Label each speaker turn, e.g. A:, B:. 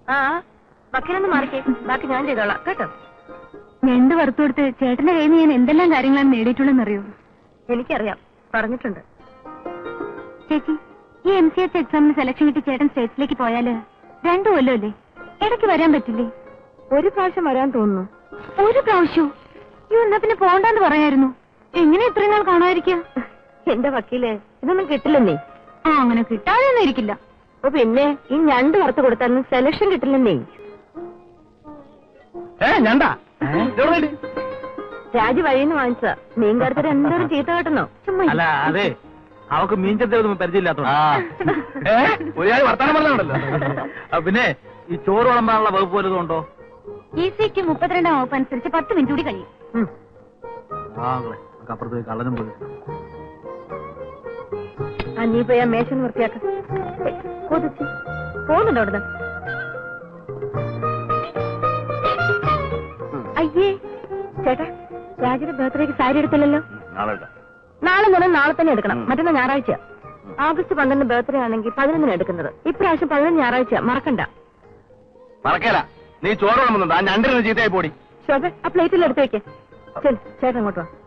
A: ആ വക്കീലൊന്ന് മാറിക്കേ, ബാക്കി ഞാൻ ചെയ്തോളാം കേട്ടോ.
B: ഞണ്ട് വറുത്തു കൊടുത്ത് ചേട്ടന്റെ കയ്യിൽ നിന്ന് ഞാൻ എന്തെല്ലാം കാര്യങ്ങളാണ് നേടിയിട്ടുള്ളതെന്നറിയോ?
A: എനിക്കറിയാം, പറഞ്ഞിട്ടുണ്ട്.
B: ചേച്ചി, ഈ MCH എക്സാമിന് സെലക്ഷൻ കിട്ടി ചേട്ടൻ സ്റ്റേറ്റ്സിലേക്ക് പോയാല് 2 കൊല്ലമല്ലേ? ഇടയ്ക്ക് വരാൻ പറ്റില്ലേ?
A: ഒരു പ്രാവശ്യം വരാൻ തോന്നുന്നു.
B: ഒരു പ്രാവശ്യവും? എന്നാ പിന്നെ പോണ്ടെന്ന് പറയായിരുന്നു. എങ്ങനെ ഇത്രയും നാൾ കാണാതിരിക്കുക?
A: എന്റെ വക്കീല്, ഇതൊന്നും കിട്ടില്ലെന്നേ.
B: ആ, അങ്ങനെ കിട്ടാതെയൊന്നും ഇരിക്കില്ല.
A: അപ്പൊ പിന്നെ ഈ ഞണ്ട് വറുത്ത് കൊടുത്താലും സെലക്ഷൻ കിട്ടില്ലെന്നേ. രാജു വഴിന്ന് വാങ്ങിച്ച മീൻകാരത്തിന് എന്തോരം ചീത്ത കേട്ടെന്നോ.
C: അല്ല അതെ, അവക്ക് മീൻചത്തൊന്നും പരിചയമില്ലാത്തോണ്ട്. പിന്നെ ഈ ചോറ് വിളമ്പാനുള്ള വകുപ്പ് വല്ലതും ഉണ്ടോ?
B: ECക്ക് 32 വകുപ്പ് അനുസരിച്ച് 10 മിനിറ്റ് കൂടി കഴിയും.
C: അപ്പുറത്ത് കള്ളനും പോയി.
A: നീ പോയി ആ മേശ വൃത്തിയാക്ക. പോകുന്നുണ്ടോ അവിടുന്ന്? അയ്യേ ചേട്ടാ, രാജുവിന്റെ ബർത്ത്ഡേക്ക് സാരി എടുത്തില്ലല്ലോ. നാളെ തന്നെ, നാളെ തന്നെ എടുക്കണം. മറ്റന്നാ ഞായറാഴ്ച. August 12 ബർത്ത്ഡേ ആണെങ്കിൽ 11 എടുക്കുന്നത്. ഇപ്രാവശ്യം 11 ഞായറാഴ്ച, മറക്കണ്ട.
C: മറക്കല. നീ ചോറ് വിളമ്പുന്നുണ്ടോ? ആ ഞണ്ടിന് ചീത്തയായി പോടി.
A: ശോഭ, ആ പ്ലേറ്റിൽ എടുത്ത് വെക്കേ. ചേട്ടൻ അങ്ങോട്ട് വാ.